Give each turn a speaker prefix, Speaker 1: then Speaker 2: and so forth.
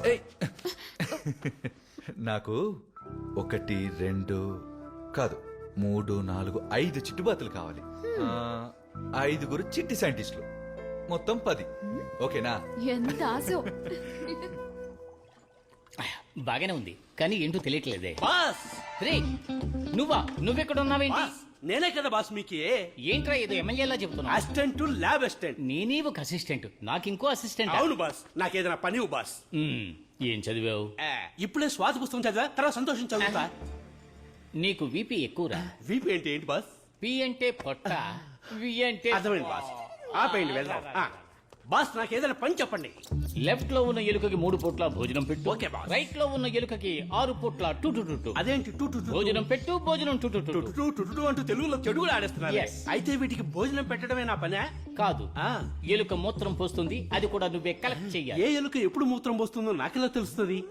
Speaker 1: ఏయ్. నాకు 1 2 కాదు 3 4 5 చిట్టుబాతులు కావాలి. 5 చిట్టి సైంటిస్టులు, మొత్తం 10. ఓకేనా?
Speaker 2: ఎంత ఆశో.
Speaker 3: బాగానే ఉంది కానీ ఏంటో తెలియట్లేదే.
Speaker 4: బాస్
Speaker 3: రే నువ్వెక్కడ ఉన్నావేంటి?
Speaker 4: బాస్ నేనే కదా బాస్ మీకు
Speaker 3: ఏంట్రా ఏదో ఎమ్మెల్యేలా చెప్తున్నా?
Speaker 4: Assistant lab assistant.
Speaker 3: నేనే ఒక అసిస్టెంట్, నాకు ఇంకో అసిస్టెంట్.
Speaker 4: అవును బాస్, నాకేదైనా పని ఇవ్వు బాస్.
Speaker 3: ఏం చదివావు?
Speaker 4: ఇప్పుడే స్వాతి పుస్తకం చదివా, తర్వాత సంతోషం చదువుతా.
Speaker 3: నీకు వీపీ ఎక్కువరా.
Speaker 4: వీపీ అంటే ఏంటి బాస్?
Speaker 3: పి అంటే పొట్ట, వి అంటే
Speaker 4: అర్థమైంది బాస్. ఆపేయండి వెళ్దాం. బాస్ నాకు ఏదైనా పని చెప్పండి.
Speaker 3: లెఫ్ట్ లో ఉన్న ఎలుకకి 3 పూట్ల భోజనం పెట్టు.
Speaker 4: Okay boss.
Speaker 3: రైట్ లో ఉన్న ఎలుకకి 6 పూట్ల టు టు టు టు.
Speaker 4: అదేంటి టూ టూ
Speaker 3: భోజనం పెట్టు, భోజనం టు టు టు టు.
Speaker 4: టూ టూ అంటూ తెలుగులో చెడుగులు ఆడేస్తున్నారు.
Speaker 3: Yes.
Speaker 4: అయితే వీటికి భోజనం పెట్టడమే నా పనే?
Speaker 3: కాదు,
Speaker 4: ఆ.
Speaker 3: ఎలుక మూత్రం పోస్తుంది, అది కూడా నువ్వే కలెక్ట్ చెయ్యాలి.
Speaker 4: ఏ ఎలుక ఎప్పుడు మూత్రం పోస్తుందో నాకెలా తెలుస్తుంది?